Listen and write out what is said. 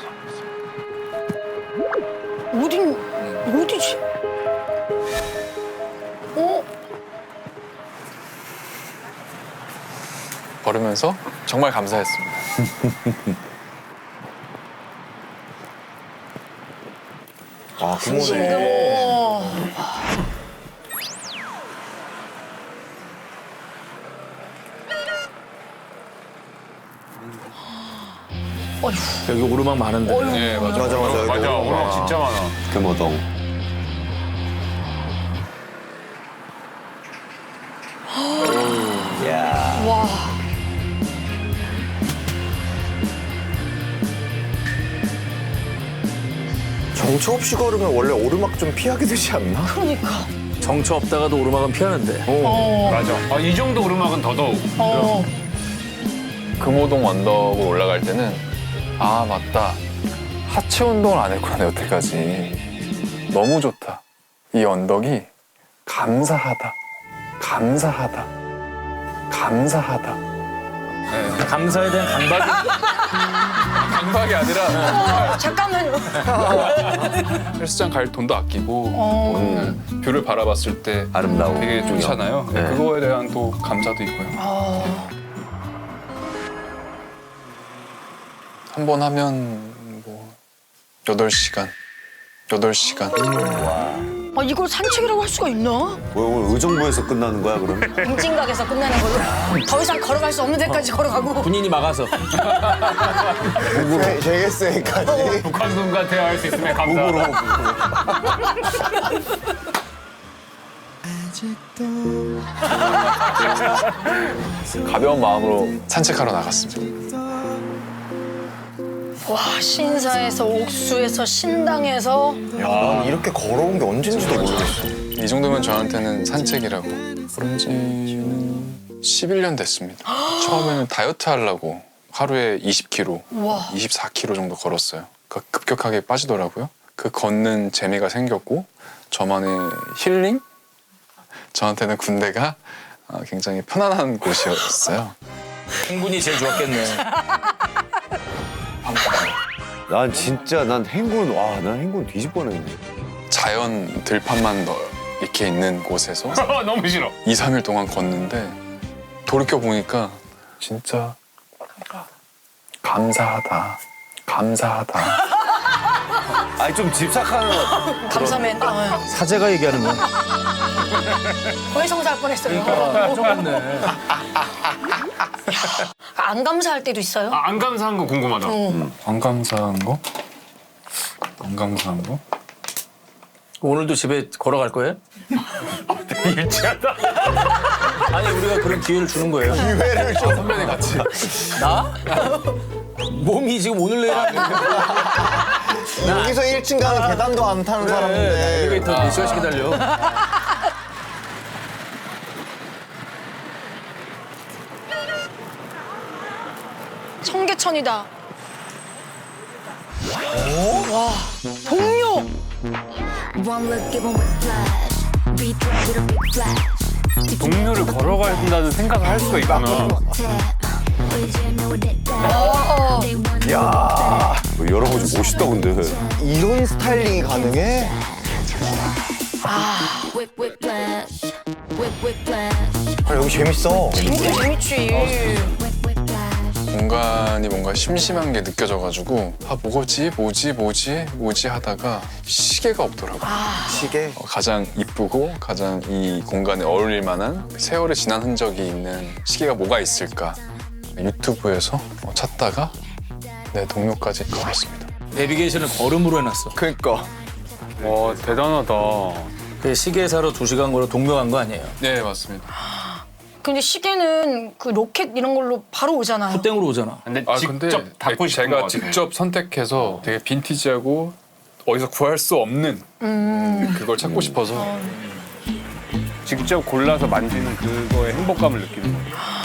어디지? 걸으면서 정말 감사했습니다. 아, 그모네. 여기 오르막 많은데. 네, 맞아. 맞아. 맞아, 오르막 진짜 많아. 금호동. 야. 와. 정처 없이 걸으면 원래 오르막 좀 피하게 되지 않나? 그러니까. 정처 없다가도 오르막은 피하는데. 맞아. 이 정도 오르막은 더더욱. 금호동 언덕을 올라갈 때는 아 맞다 하체 운동을 안 했구나 여태까지. 너무 좋다. 이 언덕이 감사하다. 감사하다. 감사하다. 네. 감사에 대한 강박이. 강박이 아니라 잠깐만요. 헬스장 갈 돈도 아끼고 네. 뷰를 바라봤을 때 아름다워. 되게 좋잖아요. 네. 그거에 대한 또 감사도 있고요. 한 번 하면 뭐 8시간. 이걸 산책이라고 할 수가 있나? 왜 오늘 의정부에서 끝나는 거야 그럼? 빙진각에서 끝나는 걸로. 더 이상 걸어갈 수 없는 데까지 걸어가고. 군인이 막아서. JSA까지. 북한군과 대화할 수 있으면 감사하다. 가벼운 마음으로 산책하러 나갔습니다. 와, 신사에서 옥수에서 신당에서. 야, 난 이렇게 걸어온 게 언젠지도 모르겠어. 이 정도면 저한테는 산책이라고. 그런 지는 11년 됐습니다. 처음에는 다이어트 하려고 하루에 20kg, 와. 24kg 정도 걸었어요. 급격하게 빠지더라고요. 그 걷는 재미가 생겼고 저만의 힐링? 저한테는 군대가 굉장히 편안한 곳이었어요. 행군이 제일 좋았겠네. 난 행군, 난 행군 뒤집어냈네. 자연 들판만 이렇게 있는 곳에서 너무 싫어. 2, 3일 동안 걷는데 돌이켜 보니까 진짜 감사하다. 아니 좀 집착하는. 감사맨. 사제가 얘기하는 거. 고해성사할 뻔했어요. 똑같네. 안 감사할 때도 있어요? 안 감사한 거 궁금하다. 안 감사한 거? 안 감사한 거? 오늘도 집에 걸어갈 거예요? 일치하다. 아니 우리가 그런 기회를 주는 거예요. 기회를 줘. 선배님 같이. 나? 몸이 지금 오늘 내일 하는 여기서 1층 가는 계단도 안 타는 사람인데. 엘리베이터 몇 시간씩 기다려. 청계천이다. 와, 동료. One look, give 'em whiplash. Beat drop with a big flash. 동료를 걸어간다는 생각을 할 수가 있구나. 야, 여러모지 멋있다 근데. 이런 스타일링이 가능해? Whip, whiplash. Whip, whiplash. 아, 여기 재밌어. 재밌지. Whip, whiplash. 공간이 뭔가 심심한 게 느껴져가지고 뭐지 하다가 시계가 없더라고요. 시계. 가장 이쁘고 가장 이 공간에 어울릴 만한 세월이 지난 흔적이 있는 시계가 뭐가 있을까 유튜브에서 찾다가 내 동료까지 걸었습니다. 내비게이션을 걸음으로 해놨어. 그니까. 와, 대단하다. 그 시계 사러 2시간 걸어 동묘 간 거 아니에요? 네 맞습니다. 근데 시계는 그 로켓 이런 걸로 바로 오잖아요. 땡으로 오잖아. 근데 근데 직접 닫고 싶은 거 제가 같아. 직접 선택해서 되게 빈티지하고 어디서 구할 수 없는 그걸 찾고 싶어서 직접 골라서 만지는 그거의 행복감을 느끼는 거야.